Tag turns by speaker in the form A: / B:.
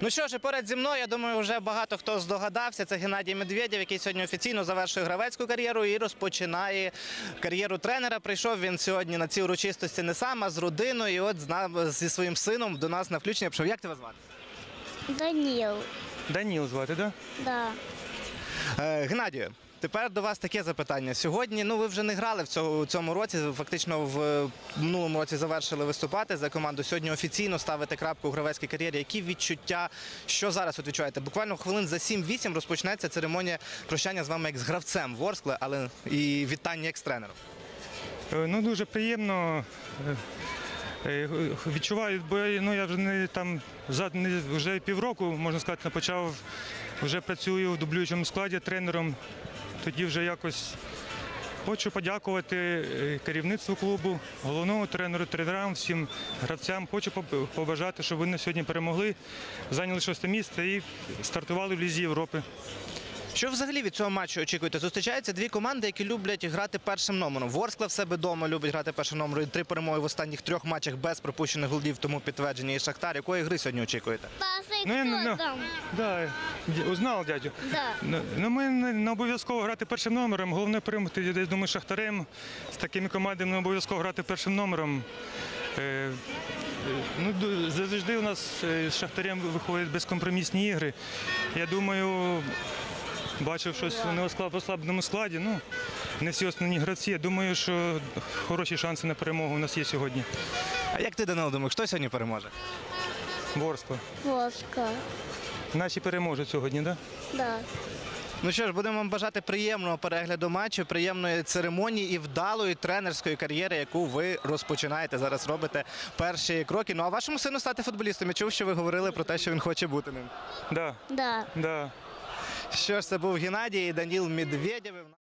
A: Ну що ж, і поряд зі мною, я думаю, вже багато хто здогадався. Це Геннадій Медведєв, який сьогодні офіційно завершує гравецьку кар'єру і розпочинає кар'єру тренера. Прийшов він сьогодні на ці урочистості не сам, а з родиною. І от зі своїм сином до нас на включення прийшов. Як тебе звати?
B: Даніл.
C: Даніл звати, так?
B: Да.
A: Геннадію, тепер до вас таке запитання. Сьогодні, ви вже не грали в цьому році, фактично в минулому році завершили виступати за команду. Сьогодні офіційно ставите крапку у гравецькій кар'єрі. Які відчуття, що зараз от відчуваєте? Буквально хвилин за 7-8 розпочнеться церемонія прощання з вами як з гравцем Ворскли, але і вітання як з тренером.
C: Ну, дуже приємно. Відчуваю, бо я вже півроку, можна сказати, почав, вже працюю в дублюючому складі тренером. Тоді вже якось хочу подякувати керівництву клубу, головному тренеру, тренерам, всім гравцям. Хочу побажати, щоб вони сьогодні перемогли, зайняли 6-те місце і стартували в Лізі Європи.
A: Що взагалі від цього матчу очікуєте? Зустрічаються дві команди, які люблять грати першим номером. Ворскла в себе вдома любить грати першим номером. 3 перемоги в останніх 3 матчах без пропущених голів, тому підтвердження. І Шахтар. Якої гри сьогодні очікуєте?
C: Узнав, дядю.
B: Да.
C: Ми не обов'язково грати першим номером. Головне перемогти, я думаю, Шахтарем. З такими командами не обов'язково грати першим номером. Завжди у нас з Шахтарем виходять безкомпромісні ігри. Я думаю, бачив щось в ослабленому складі. Не всі основні гравці. Я думаю, що хороші шанси на перемогу у нас є сьогодні.
A: А як ти, Данило, думаєш, хто сьогодні переможе?
C: Ворскла.
B: Воска.
C: Наші переможуть сьогодні, так?
B: Да.
A: Ну що ж, будемо вам бажати приємного перегляду матчу, приємної церемонії і вдалої тренерської кар'єри, яку ви розпочинаєте, зараз робите перші кроки. Ну а вашому сину стати футболістом? Я чув, що ви говорили про те, що він хоче бути ним.
C: Да.
B: Да.
C: Да.
A: Що ж, це був Геннадій і Даніл Медведєв.